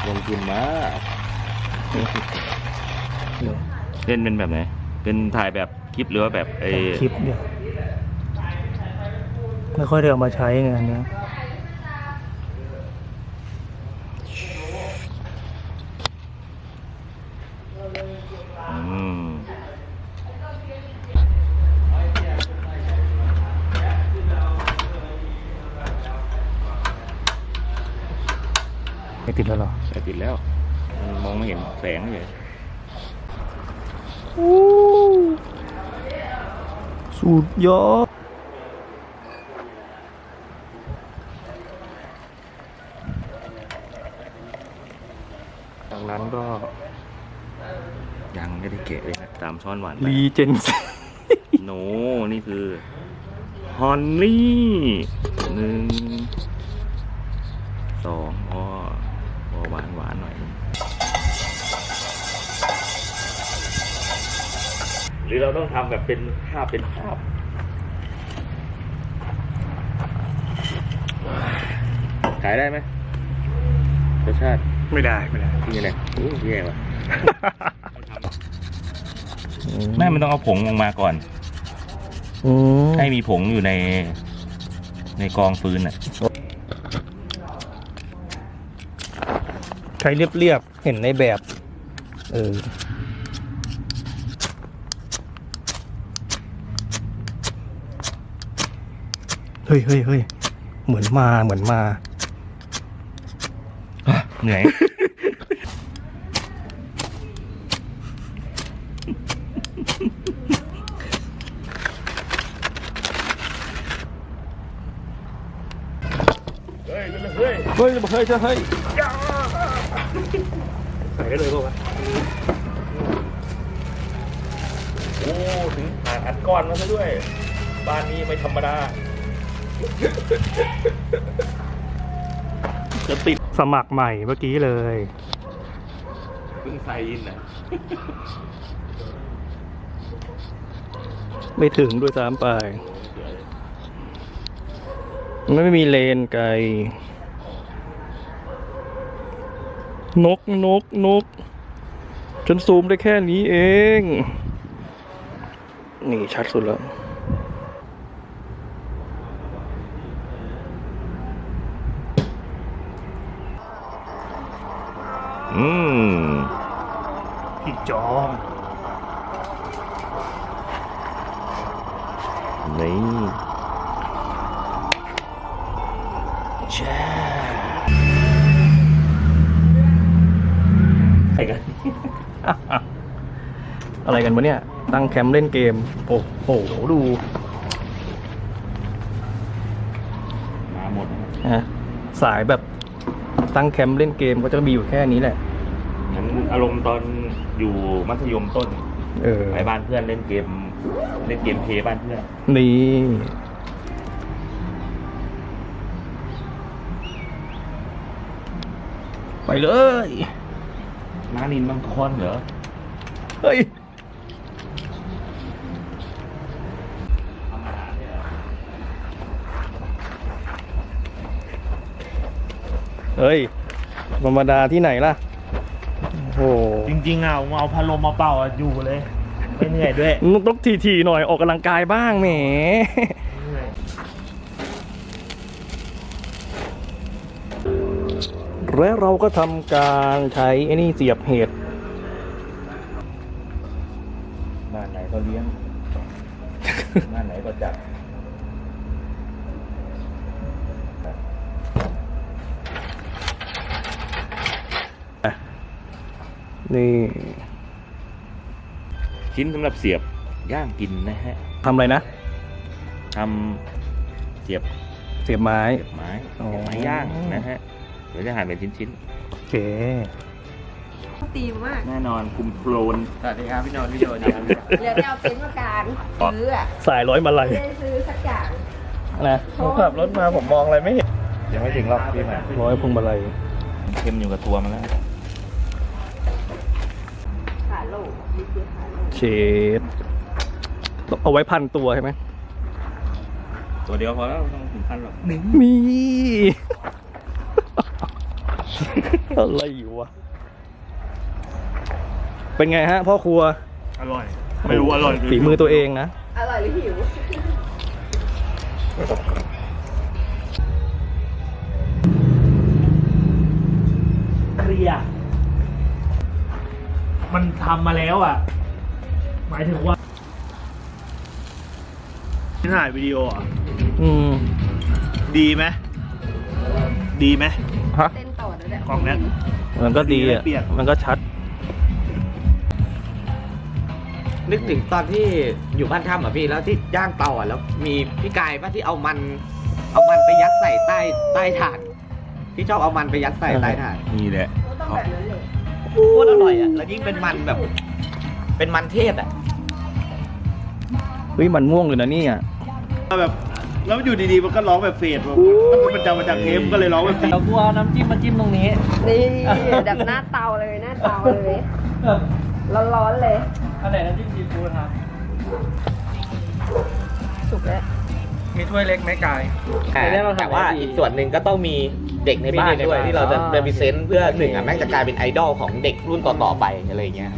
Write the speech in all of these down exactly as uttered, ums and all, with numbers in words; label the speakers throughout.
Speaker 1: ลงทุนมากเล่นเป็นแบบไหนเป็นถ่ายแบบคลิปหรือว่าแบบไอ้
Speaker 2: คลิปเนี่ยไม่ค่อยได้เอามาใช้ไงอันเนี้ย
Speaker 1: อืม
Speaker 2: ไม่ติดแล้วหรอ
Speaker 1: แต่ติดแล้วมันมองไม่เห็นแสงเลย
Speaker 2: สุดยอดจากนั้นก็
Speaker 1: ยังไม่ได้เกะเลยนะตามช้อนหวาน
Speaker 2: รีเจน
Speaker 1: โนนี่คือฮอนนี่หนึ่งสองพอพอหวานหวานหน่อยหรือเราต้องทำแบบเป็นภาพเป็นภาพขายได้ไหมรสชาติ
Speaker 2: ไม่ได้ไม่ได้
Speaker 1: ที่นี่แหละโอ้แย่ว่ะแม่มันต้องเอาผงลงมาก่อนให้มีผงอยู่ในในกองฟืนอ่ะ
Speaker 2: ใช้เรียบๆเห็นในแบบเออเฮ้ยเฮ้ยเฮ้ยเหมือนมาเหมือนมา
Speaker 1: เหนื่อยเฮ้ยเฮ้ย
Speaker 2: เฮ้ยเฮ้ยจะเฮ้ย
Speaker 1: ใส่ได้เลยป่าววะโอ้ถึงอัดก้อนมาซะด้วยบ้านนี้ไม่ธรรมดาจะติด
Speaker 2: สมัครใหม่เมื่อกี้เลย
Speaker 1: เพิ่งใส่อินอ่ะ
Speaker 2: ไม่ถึงด้วยซ้ำไปไม่มีเลนไกลนกนกนกฉันซูมได้แค่นี้เองนี่ชัดสุดแล้ว
Speaker 1: อืม
Speaker 2: พี่จอง
Speaker 1: นี่
Speaker 2: แช่
Speaker 1: ใครกัน
Speaker 2: อะไรกันวะเนี่ยตั้งแคมป์เล่นเกมโอ้โหดู
Speaker 1: มาหมด
Speaker 2: ฮะสายแบบตั้งแคมป์เล่นเกมก็จะมีอยู่แค่นี้แหละ
Speaker 1: เหมือนอารมณ์ตอนอยู่มัธยมต้น
Speaker 2: เออ
Speaker 1: ไปบ้านเพื่อนเล่นเกมเล่นเกมเพย์บ้านเพื่อน
Speaker 2: นี่ไปเลย
Speaker 1: น้านินมังคอนเหรอ
Speaker 2: เฮ้ยเฮ้ยธรรมดาที่ไหนล่ะโอ้
Speaker 1: จริงๆอ่ะผมเอาพัดลมมาเป่าอยู่เลยไม่เหนื่อยด้วย
Speaker 2: ต้องทีๆหน่อยออกกำลังกายบ้างแหมและเราก็ทำการใช้ไอ้นี่เสียบเห็ด
Speaker 1: บ้านไหนก็เลี้ยงบ้านไหนก็จัด
Speaker 2: นี่
Speaker 1: ชิ้นสำหรับเสียบย่างกินนะฮะ
Speaker 2: ทำอะไรนะ
Speaker 1: ทำเสียบ
Speaker 2: เสียบไม้
Speaker 1: ไม้ไม้ย่างนะฮะเดี๋ยวจะหั่นเป็นชิ้น
Speaker 2: ๆโอเค
Speaker 3: ตีมาก
Speaker 1: แน่นอนคุมโคลน
Speaker 3: สวัสดีครับพี่นนท์พี่โยนครับเดี๋ยวเอาเป็นประการซื้ออะ
Speaker 2: สายร้อยมาลัย
Speaker 3: ไม่ได้ซื้อสักอย่าง
Speaker 2: นะผมขับรถมาผมมองอะไรไม่เห็น
Speaker 1: ยังไม่ถึงรอบพี่มา
Speaker 2: ร้อยพวงมาลัย
Speaker 1: เข้มอยู่กับตัวมันแล้ว
Speaker 3: ขาโลก
Speaker 2: เชดเอาไว้พันตัวใช่ไหม
Speaker 1: ตัวเดียวพอแล้วต้องถึงพันหรอก
Speaker 2: มีอะไรอยู่วะ เป็นไงฮะพ่อครัว
Speaker 4: อร่อย ไม่รู้อร่อย
Speaker 2: ฝีมือตัวเองนะ
Speaker 3: อร่อยหรือหิว
Speaker 4: เคลียร์มันทำมาแล้วอ่ะ หมายถึงว่าถ่ายวิดีโออ่ะ
Speaker 2: อืม
Speaker 4: ดีไหมดีไหม
Speaker 2: ฮะ
Speaker 3: เต้นต่อแล้วเนี่ย
Speaker 4: กล่องเนี้ย
Speaker 2: มันก็ดีอ่ะ
Speaker 4: เปรียบ
Speaker 2: มันก็ชัด
Speaker 5: นึกถึงตอนที่อยู่บ้านถ้ำอ่ะพี่แล้วที่ย่างเตาอ่ะแล้วมีพี่กายป่ะที่เอามัน เอามันไปยัดใส่ใต้ใต้ถ่านที่ชอบเอามันไปยัดใส่ใต้ถ่าน
Speaker 1: นี่แหละ
Speaker 3: ก็ต้องแบบนั้นเลย
Speaker 5: โคตรอร่อยอ่ะแล้วยิ่งเป็นมันแบบ เป็นมันเทศอ่ะ
Speaker 2: เฮ้ยมันม่วงเลยนะเนี่ย
Speaker 4: แบบ แล้วอยู่ดีๆมันก็ร้องแบบเฟดแบบมันจะมาจากเทปก็เลยร้องแบบเฟด
Speaker 5: เรากูเอาน้ำจิ้มมาจิ้มตรงนี้
Speaker 3: นี่แบบหน้าเตาเลยหน้าเตาเลยร้อนๆเลย
Speaker 5: อันไหนน้ำจิ้มซีฟู้ดครับ
Speaker 3: สุกแล้ว
Speaker 2: มีถ้วยเล็กไหมกาย
Speaker 5: แต่ว่าอีกส่วนหนึ่งก็ต้องมีเด็กในบ้านด้วยที่เราจะเรมิเซนต์เพื่อหนึ่งอ่ะแม่งจะกลายเป็นไอดอลของเด็กรุ่นต่อๆไปอะไรอย่างเงี้ยครับ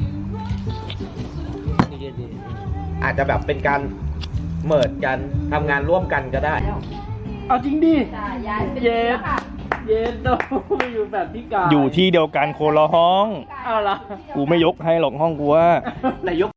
Speaker 5: อาจจะแบบเป็นการเมิร์ดกันทำงานร่วมกันก็ได้
Speaker 2: เอาจริงดิ
Speaker 3: จ้ะยายเป็นแล้วค่ะ
Speaker 5: เย็นโตไปอยู่แบบพี่กาย
Speaker 2: อยู่ที่เดียวกันโคนละห้อง
Speaker 5: เอาละ
Speaker 2: กูไม่ยกให้หรอกห้องกูว่า
Speaker 5: แต่ยก